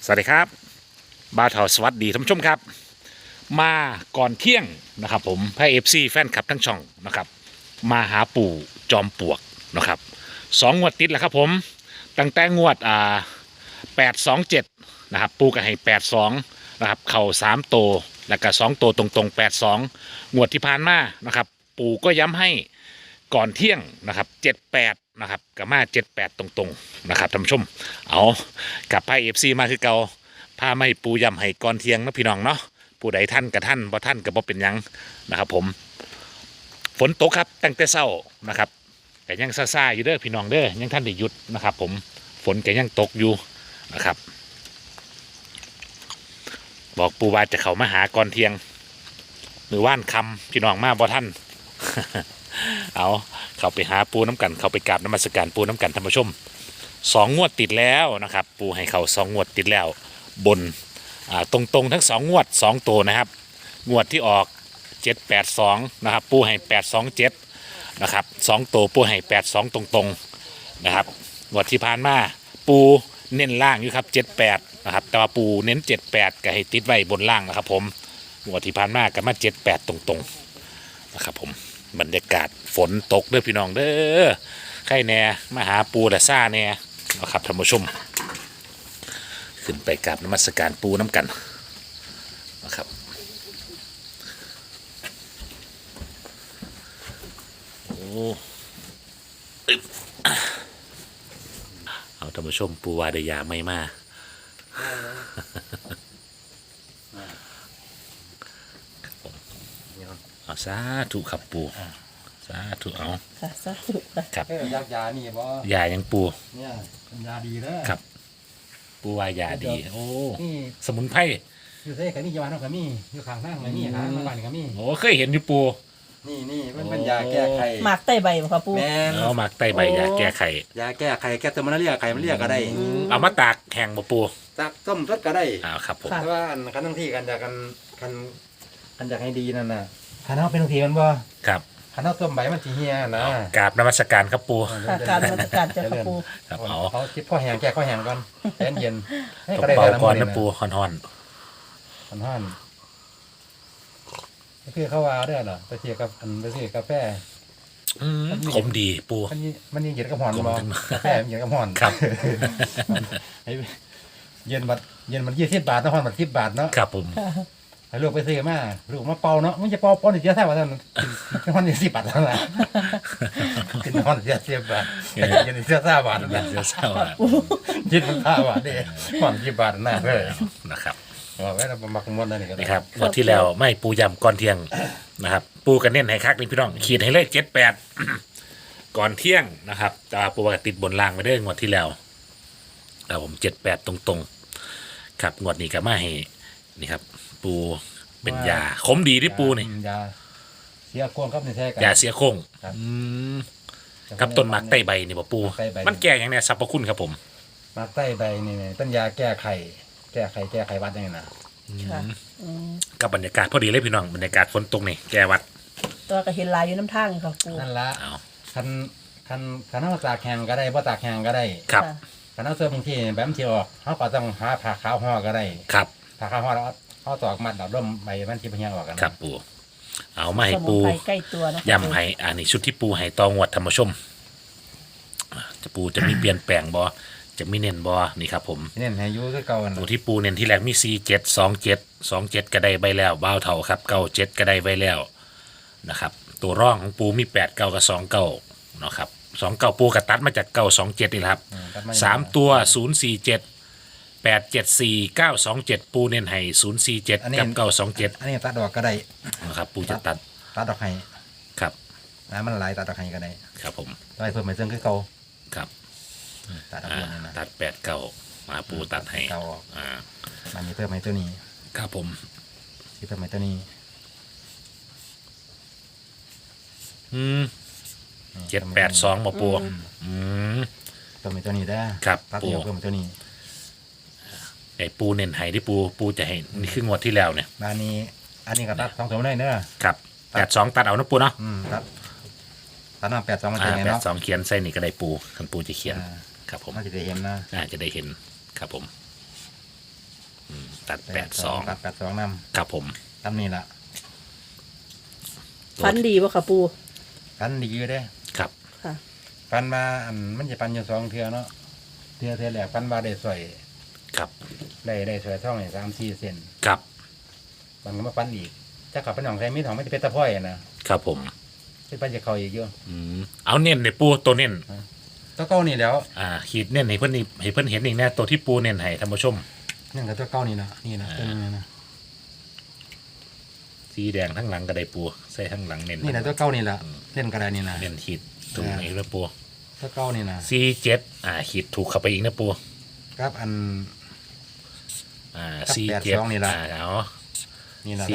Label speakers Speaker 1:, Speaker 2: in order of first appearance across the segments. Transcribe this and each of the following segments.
Speaker 1: สวัสดีครับบ่าวเถาสวัสดีท่านผู้ชมครับมาก่อนเที่ยงนะครับผมพระเอฟซีแฟนคลับทั้งช่องนะครับมาหาปู่จอมปลวกนะครับงวดติดแล้วครับผมตั้งแต่งวด827นะครับปู่ก็ให้82นะครับเข่า3 โตวแล้วก็2 โตวตรงๆ82งวดที่ผ่านมานะครับปู่ก็ย้ำให้ก่อนเที่ยงนะครับ78นะครับกับมา78ตรงๆนะครับท่านผู้ชมเอากับพระเอฟซีมาคือเก่าพามาให้ปูย้ำให้ก่อนเที่ยงนะพี่น้องเนาะผู้ใดท่านกับท่านบ่ท่านกับบ่เป็นหยังนะครับผมฝนตกครับตั้งแต่เช้านะครับแต่ยังซ่าๆอยู่เด้อพี่น้องเด้อยังท่านได้หยุดนะครับผมฝนก็ยังตกอยู่นะครับบอกปูว่าจะเข้ามาหาก่อนเที่ยงมือว่านคำพี่น้องมาบ่ท่าน เอาเข้าไปหาปูน้ำกันเข้าไปกราบนมัสการปูน้ำกันท่านผู้ชมงวดติดแล้วนะครับปูให้เขางวดติดแล้วบนตรงๆทั้งงวด2 ตัวนะครับงวดที่ออก782นะครับปูให้827นะครับ2 ตัวปูให้82ตรงๆนะครับงวดที่ผ่านมาปูเน้นล่างอยู่ครับ78นะครับแต่ว่าปูเน้น78ก็ให้ติดไว้บนล่างนะครับผมงวดที่ผ่านมาก็มา78ตรงๆนะครับผมบรรยากาศฝนตกเด้อพี่น้องเด้อใครแน่มาหาปูและซ่าแน่นะครับท่านผู้ชมขึ้นไปกราบนมัสการปูน้ำกันนะครับโอ้อึ๊บเอาท่านผู้ชมปูวาดยาไม่มาเอาสาธุครับปูสาธุเอา
Speaker 2: ค่ะสาธุค่ะ
Speaker 1: ครับ
Speaker 3: ยักยานี่บ่
Speaker 1: ยายังปู
Speaker 3: เนี่ยเป็นยาดีเด้อ
Speaker 1: ครับปูวายาดีโอ้
Speaker 3: นี่
Speaker 1: สมุนไพร
Speaker 3: อยู่เซ่ก็มีจังหวัดนั้นก็มีอยู่ข้างทางก็มีหามาบ้านก็มี
Speaker 1: โอ้เคยเห็นอยู่ปู
Speaker 3: นี่มันเป็นยาแก้ไข
Speaker 2: หมากใต้ใบบ่ค่ะปู
Speaker 3: แม่น
Speaker 1: เอาหมักไตใบยาแก้ไข
Speaker 3: ยาแก้ไขแก้ตัวมันเรียกไขมันเรียกก็ได้
Speaker 1: เอามาตากแห้งบ่ปู
Speaker 3: ตักต้มสดก็ได้
Speaker 1: อ้าวครับผม
Speaker 3: แต่ว่าคันทั้งที่กันอยากกันอยากให้ดีนั่นน่ะคันเฮาเป็นทั้งที่มันบ่
Speaker 1: ครับ
Speaker 3: คันเฮาต้มใบมันสิเหี่ยนะ
Speaker 1: กราบนมัสการครับปู
Speaker 2: ค่ะการมาตรการเจ้าค่ะปู
Speaker 1: ครับเอา
Speaker 3: เอาจิบข้อแห้งแก้ข้อแห้งก่อนแอนเย็นให้
Speaker 1: ต
Speaker 3: ก็
Speaker 1: บ
Speaker 3: ได้
Speaker 1: เบา
Speaker 3: แล้ว
Speaker 1: ก่อน
Speaker 3: มื้
Speaker 1: นะปูฮ้อน
Speaker 3: มันฮ้อนก็คือเขาว่าเด้อล่ะไปเที่ยวกับไปซื้อกาแฟ
Speaker 1: ๆขมดีปู
Speaker 3: มันยังเย็นกับหอน
Speaker 1: กลม
Speaker 3: บ่
Speaker 1: จัง
Speaker 3: กาแฟมันเย็นกับหอน
Speaker 1: ครับ
Speaker 3: ให้เย็นมัน20 บาทนะหอนมัน10 บาทเนาะ
Speaker 1: ครับผม
Speaker 3: ให้ลูกไปซื้อมาลูกมาเป่าเนาะมันจะเป่าป้อนอีกเยอะแท้ว่าท่านกินหอน10 บาทแล้วล่ะกินหอน10 บาทเย็นเสีย3 บาท
Speaker 1: เย็
Speaker 3: นะ
Speaker 1: นเสียเศร้าอะ
Speaker 3: เย็นมัน5 บาทเด้หอน10 บาทน่าเลย
Speaker 1: นะครับ
Speaker 3: ว่าไว้เรามักม่วนนั่นนี่ก็ได้
Speaker 1: นี่ครับงวันที่แล้วไม่ปูยำก่อนเที่ยงนะครับ ปูกันเน้นให้คักนี่พี่น้องขีดให้เลข78 ก่อนเที่ยงนะครับแต่ว่าปูว่าติดบนล่างไปเด้องวดที่แล้วแต่ผม78ตรงๆครับงวดนี้ก็มาให้นี่ครับ ปูเป็นยาขมดีที่ปูนี่
Speaker 3: ยาเสียควงครับนี่แท้กัน
Speaker 1: ยาเสียโค้ง
Speaker 3: ครับ
Speaker 1: กับต้นหมากไต้ใบนี่บ่ปู
Speaker 3: ไต้ใบ
Speaker 1: มันแก่อย่างเนี้ยสรรพคุณครับผม
Speaker 3: มาใต้ใบนี่ต้นยาแก้ไขแก้ไขหวัดยังไงนะ
Speaker 2: ค่ะอืม
Speaker 1: กับบรรยากาศพอดีเลยพี่น้องบรรยากาศฝนตกนี่แกวัด
Speaker 2: ตัวก็เห็นลายอยู่น้ำทางค่ะปู
Speaker 3: นั่นละ
Speaker 1: เอา
Speaker 3: คันเอาตากแห้งก็ได้บ่ตากแห้งก็ได้
Speaker 1: ครับ
Speaker 2: ค่ะ
Speaker 3: คันเอาเสื้อบางทีแบบมันสิออกเขาก็ต้องหาผ้าขาวห่อก็ได้
Speaker 1: ครับ
Speaker 3: ผ้าขาวห่อแล้วเอาตอกมัดเอาร่มใบมันสิบ่เหี่ยวออกกัน
Speaker 1: ครับปูเอามาให้
Speaker 2: สมุ
Speaker 1: ปู
Speaker 2: นไพรใกล้ตัวนะคะ
Speaker 1: ยำให้อันนี้ชุดที่ปูให้ตองวดธรรมชมจะปูจะมีเปลี่ยนแปลงบ่จะมีเน้นบ่นี่ครับผม
Speaker 3: เน้นให้อยู่คือเก่านั่น
Speaker 1: ตัว
Speaker 3: น่ะ
Speaker 1: ที่ปูเน้นที่แรกมี47 27ก็ได้ใบแล้วบ้าวเท่าครับ97ก็ได้ใบแล้วนะครับ ตัวร่องของปูมี8 9กับ2 9เนาะครับ2 9ปูกระตัดมาจาก927นี่แหละครับ
Speaker 3: ตัดม
Speaker 1: 3 ตัว047 874 927ปูเน้นให้047กับ927
Speaker 3: อันนี้ตัดดอกก็ได้
Speaker 1: นะครับปูจะตัด
Speaker 3: ตัดดอกให้
Speaker 1: ครับ
Speaker 3: แล้วมันหลายตัดดอกให้ก็ได้
Speaker 1: ครับผม
Speaker 3: ไว้เพิ่มไปเซึ่งคือเก่า
Speaker 1: ครับ
Speaker 3: ตัดดอก
Speaker 1: อ่า
Speaker 3: นี่นะ
Speaker 1: ตัด8 9มาปูตัดให้
Speaker 3: เก่าออก
Speaker 1: อ่า
Speaker 3: มันมีเพิ่มให้ตัวนี้
Speaker 1: ครับผม
Speaker 3: สิเพิ่มให้ตัวนี้
Speaker 1: อืม782มาปูอืม
Speaker 3: เพิ่มให้ตัวนี้ได้อ
Speaker 1: ครับ
Speaker 3: ตัดเดียวเพิ่มให้ตัวนี้
Speaker 1: ไอ้ปูเน้นให้ที่ปูจะให้นี่คืองวดที่แล้วเนี่ย
Speaker 3: อันนี้ก็ตัด2ตัวได้เด้อ
Speaker 1: ครับ82ตัดเอานะปูเนาะ
Speaker 3: ตัดน้ำ82มันจะไงเนาะ
Speaker 1: 82เขียนใส่นี่ก็ได้ปูคันปูจะเขียน
Speaker 3: อ่า
Speaker 1: ครับผม
Speaker 3: มันจะได้เห็นนะ
Speaker 1: จะได้เห็นครับผมตัด82
Speaker 3: ตัด82นำ
Speaker 1: ครับผม
Speaker 3: ตามนี้ล่ะ
Speaker 2: ฟันดีป่ะค่ะปู
Speaker 3: ฟันดีอยู่เด้
Speaker 1: ครับ
Speaker 2: ค่ะ
Speaker 3: ฟันมาอันมันจะฟันอยู่2เทื่อเนาะเทื่อแรกฟันมาได้สวย
Speaker 1: ครับ
Speaker 3: ได้สวยท่องนี่3-4 เซน
Speaker 1: ครับ
Speaker 3: มันก็มาฟันอีกถ้าขับเป็นของใครมีของไม่จะเป็นตะพ้อยนะครับ
Speaker 1: ผม
Speaker 3: เป็นปันจะเข้าอีกเยอะ
Speaker 1: เอาเน้นในปูตัวเน้น
Speaker 3: ตัวเก้านี่แล้ว
Speaker 1: ขีดเน้นให้เพิ่นนี่ให้เพิ่นเห็นอีกแน่ตัวที่ปูเน้นให้ท่านผู้ชม
Speaker 3: นี่กับตัวเก้านี่นะนี่นะตัวนี้นะ
Speaker 1: สีแดงทั้งหลังก็ได้ปูใส่ทั้งหลังเน้น
Speaker 3: นี่นะตัวเก้านี่ละเล่นกระดานนี่นะ
Speaker 1: เน้นขีดตรงนี้แล้วปู
Speaker 3: ตัวเก้านี่นะ
Speaker 1: 47ขีดถูกเข้าไปอีกนะปู
Speaker 3: ครับอัน
Speaker 1: 47
Speaker 3: 82นี่ล่ะ
Speaker 1: เอา
Speaker 3: นี่ละ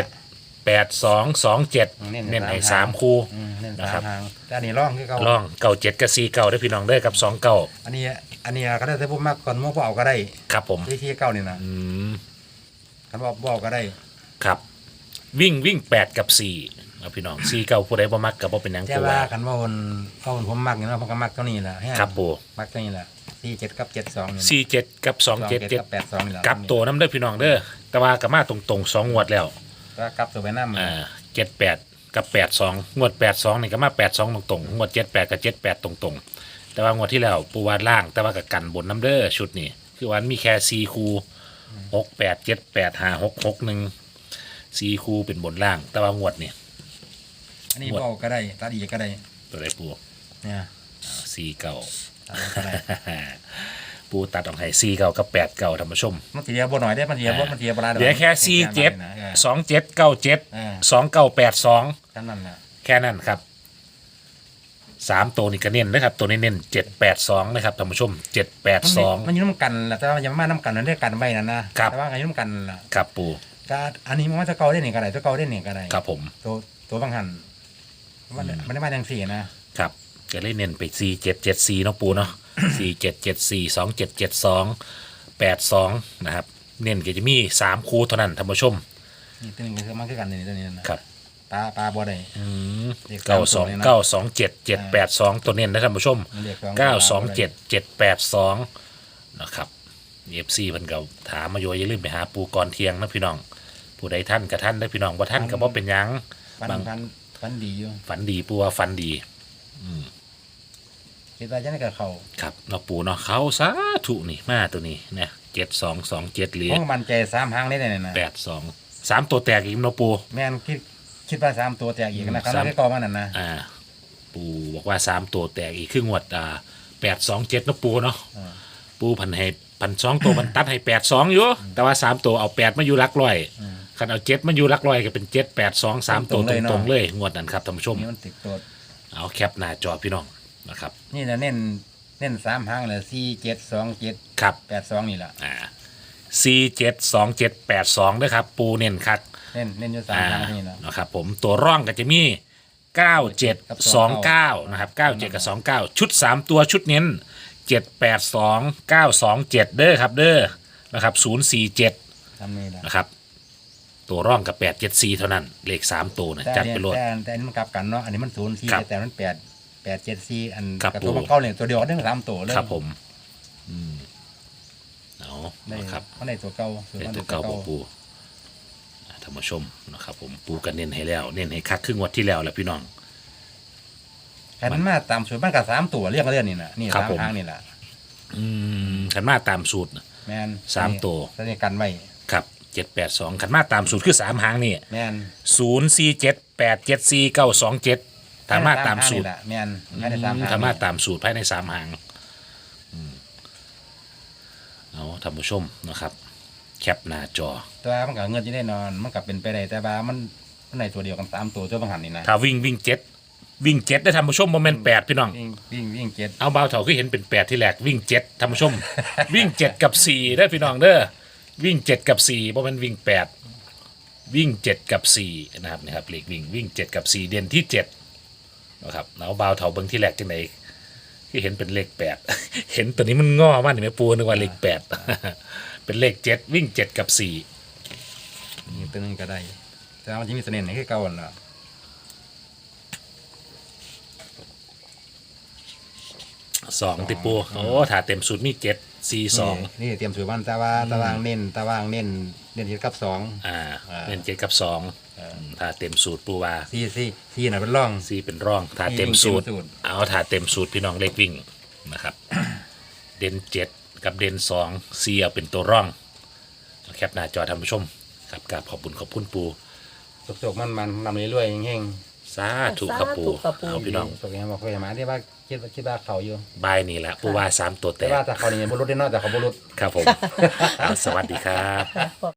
Speaker 1: 478227เน้นให้3คู่
Speaker 3: เล่น
Speaker 1: นะครับ
Speaker 3: 3 ทางแต่อันนี้ร่องคือเก้า
Speaker 1: ล่อง97กับ49ได้อพี่น้องเด้อกับ29
Speaker 3: อันนี้ก็ได้แต่พวกมากก่อนมั่วเอาก็ได้
Speaker 1: ครับผม
Speaker 3: ที่เก้านี่นะ
Speaker 1: อืม
Speaker 3: คันบอกก็ได้
Speaker 1: ครับวิ่ง8กับ4เอาพี่น้อง4เก่าผู้ใดบ่มักก็บ่เป็นหยัง
Speaker 3: แต่
Speaker 1: ปู
Speaker 3: ว่า
Speaker 1: ว่า
Speaker 3: คันว่าคนผมมักนี่นะผมก็มักเท่านี้แหละ
Speaker 1: ครับปู
Speaker 3: มักเท่านี้แหละ47กับ72นี่
Speaker 1: 47กับ277
Speaker 3: กับ82นี่แหละ
Speaker 1: กลับตัวน้ำเด้อพี่น้องเด้อแต่ว่าก็มาตรงๆ2งวดแล้ว
Speaker 3: ก็กลับตัวไปน้ำ
Speaker 1: 78กับ82งวด82นี่ก็มา82ตรงๆงวด78กับ78ตรงๆแต่ว่างวดที่แล้วปูวาดล่างแต่ว่าก็กันบนน้ำเด้อชุดนี้คือวันมีแค่4คู่68 78 56 61 4คู่เป็นบนล่าง แต่ว่างวดนี่
Speaker 3: อันนี้บอกก็ได้ตัดอีกก็ได้
Speaker 1: ตัวใดปู
Speaker 3: เนี่ย
Speaker 1: 4เก่า
Speaker 3: ตัดก็ได้
Speaker 1: ปูตัดออกให้4เก่ากับ8เก่าท่านผู้ชม
Speaker 3: มันเสียบ่หน่อยได้มันเสียบ่มันเสียบ่ได้
Speaker 1: เหลือแค่47 27 97 2982
Speaker 3: ท่านนั่นน่ะ
Speaker 1: แค่นั้นครับ3ตัวนี้ก็เน้นนะครับตัวนี้เน้น782นะครับท่านผู้ชม782
Speaker 3: มันอยู่น้ำกันแหละแต่ว่ามันยังมาน้ำกันนั่นได้กันไว้นั่นนะครับ แต่ว่ากันอยู่น้ำกันล่ะ
Speaker 1: ครับปู
Speaker 3: ก็อันนี้มันว่าจะเก่าได้นี่ก็ได้จะเก่าได้นี่ก็ได้
Speaker 1: ครับผม
Speaker 3: ตัวบางหันมันได้มาจังสี่นะครับ
Speaker 1: จะเล่นเน้นไป4774เนาะปูเนาะ4774 2772 82นะครับเน้นก็จะมี3คู่เท่านั้นท่านผู้ชม
Speaker 3: นี่ตัวนี้คือมันคือกันนี่ตัวนี้นะครับ ปลาบ่ได้
Speaker 1: 92927 782ตัวเน้นนะท่านผู้ชม
Speaker 3: มันเรียก
Speaker 1: 927 782นะครับFC เพิ่นก็ถามมาอยู่อย่าลืมไปหาปูก่อนเที่ยงนะพี่น้องผู้ใดท่านกับท่านได้อพี่น้องบ่ท่านก็บ่เป็นหยัง
Speaker 3: ฟันดีอยู่
Speaker 1: ฝันดีปูว่าฝันดี
Speaker 3: คิดว่าจะได้กับเขา
Speaker 1: ครับเนาะปูเนาะเขาสาธุนี่มาตัวนี้นะ7227เหรีย
Speaker 3: เพ
Speaker 1: ญ
Speaker 3: ราะมันใจ3 หางได้เนี่ยนะ
Speaker 1: 82 3ตัวแตกอีกเนาะปู
Speaker 3: แม่นคิดว่า3 ตัวแตกอีกนะครับไม่ได้กอมันนั่นนะ
Speaker 1: ปูบอกว่า3ตัวแตกอีกครึ่งวด827เนาะปูเนาะปูพันให้พัน2ตัวมันตัดให้82อยู่แต่ว่า3ตัวเอา8มาอยู่หลักร้อยคันเอา7มาอยู่หลักร้อยก็เป็น782 3ตัวตรงๆเลยงวดนั้นครับท่านผู้ชม
Speaker 3: นี่มันติดตัว
Speaker 1: เอาแคปหน้าจอพี่น้องนะครับ
Speaker 3: นี่นะเน้น3 หางเลย4727
Speaker 1: ครับ
Speaker 3: 82นี่แหละ
Speaker 1: 472782ด้วยครับปูเน้นคัก
Speaker 3: เน้นอยู่3 หางนี่แหละ
Speaker 1: นะครับผมตัวร่องก็จะมี9729นะครับ97กับ29ชุด3ตัวชุดเน้น782927เด้อครับเด้อนะครับ047
Speaker 3: ทำนี่แหละ
Speaker 1: นะครับตัวร่องกับ874เท่านั้นเลข3ตัวนะจัดไปโลด
Speaker 3: แต่อันนี้มันกลับกันเนาะอันนี้มัน
Speaker 1: ครับ
Speaker 3: 04แต่มัน874อัน
Speaker 1: ครับ
Speaker 3: กับตัวมันเก่าเนี่ยตัวเดียวกันทั้ง3ตัวเลย
Speaker 1: ครับผมเอา
Speaker 3: ได้
Speaker 1: นะครับ
Speaker 3: มันได้ตัวเก่า
Speaker 1: เป็นตัวเก่าของปูท่านผู้ชมนะครับผมปูกันเน้นให้แล้วเน้นให้คักครึ่งวัดที่แล้วแหละพี่น้อง
Speaker 3: แต่มันมาตามสูตรมันกับ3ตัวเรียกเรื่องนี่นะนี่
Speaker 1: ครับผม
Speaker 3: 3 หางนี่แหละ
Speaker 1: ขันมาตามสูตร
Speaker 3: แม่น
Speaker 1: 3 ตัว
Speaker 3: ตัวนี้กันไว้
Speaker 1: ครับ782ขันมาตามสูตรคือ3หางนี่
Speaker 3: แม่น
Speaker 1: 047874 927ถามมาตามสูตร
Speaker 3: แหละแม่นไม่ได้3 หาง
Speaker 1: ถามมาตามสูตรภายใน3หางเอาท่านผู้ชมนะครับแคปหน้าจอ
Speaker 3: ตัวมันกับเงินที่ได้นอนมันกับเป็นไปได้แต่ว่ามันในตัวเดียวกัน3 ตัวตัวบางหันนี่นะ
Speaker 1: ถ้าวิ่ง7ได้ท่านผู้ชมโมเมนต์8พี่น้อง
Speaker 3: วิ่งเจ็ด
Speaker 1: เอาเบาเถาคือเห็นเป็น8ที่แรกวิ่ง7ท่านผู้ชม วิ่ง7กับ4ได้อพี่น้องเด้อวิ่ง7กับ4เพราะมันวิ่ง8วิ่ง7กับ4นะครับนี่ครับเลขวิ่ง7กับ4เด่นที่7นะครับเอาเบาเถาเบิ่งที่แรกจังไดที่เห็นเป็นเลข8 เห็นตัวนี้มันง้อมากนี่แม่ปูนึกว่าเลข8 เป็นเลข7วิ่ง7กับ4
Speaker 3: นี่ตัวนึงก็ได้แต่ว่ามันจะมีเสน่ห์ไหนคือเก่าน่ะ
Speaker 1: 2ติปูโอ้ถ้าเต็มสูตรมี7 42
Speaker 3: นี่เตรียมสูตรมันตารางเน้นเจ็ดกับสอง
Speaker 1: เน้น7กับ2ถ้าเต็มสูตรปูว่า
Speaker 3: สี่น่ะเป็นร่อง
Speaker 1: 4เป็นร่องถ้าเต็มสูตร
Speaker 3: เต็มสูตร
Speaker 1: เอาถ้าเต็มสูตรพี่น้องเลขวิ่งนะครับ เด่น7กับเด่น2 4เอาเป็นตัวร่องแคปหน้าจอท่านผู้ชมครับกราบขอบคุณปู
Speaker 3: สุกๆมันนำเรื่อยๆแห้ง
Speaker 1: สาธุครับปู
Speaker 2: สาธุครับปู่
Speaker 1: เอาพี่น้อง
Speaker 3: สุกยังบอกเคยมาที่ว่าคิดว่าเขาอยู่
Speaker 1: บายนี่แหละปูว่า3ตัวแต
Speaker 3: แต่
Speaker 1: ก
Speaker 3: ว่าแต่เขานี่ยังบรุษได้นอกแต่เขาบรุษ
Speaker 1: ครับผม เอาสวัสดีครับ
Speaker 2: ค่ะ